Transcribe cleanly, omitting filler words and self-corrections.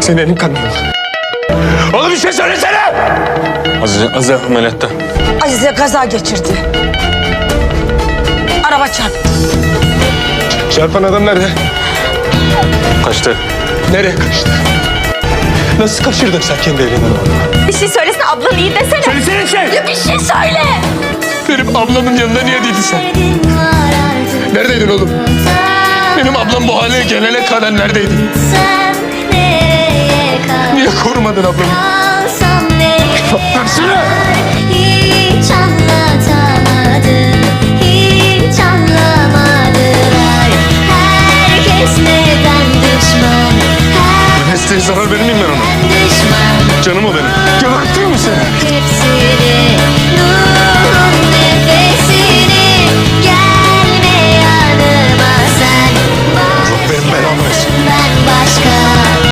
Senin kanın. Oğlum bir şey söylesene! Azize ameliyatta. Azize kaza geçirdi. Araba çarptı. Çarpan adam nerede? Kaçtı. Nereye kaçtı? Nasıl kaçırdın sen kendi elinden onu? Bir şey söylesene, ablan iyi desene. Söylesene şey! Ya bir şey söyle. Benim ablamın yanında niye değildin sen? Neredeydin oğlum? Benim ablam bu hale gelene kadar neredeydin? Niye korumadın ablamı? Versene! Hiç anlatamadım, hiç anlamadılar. Herkes neden düşman? Mesleğe zarar verir miyim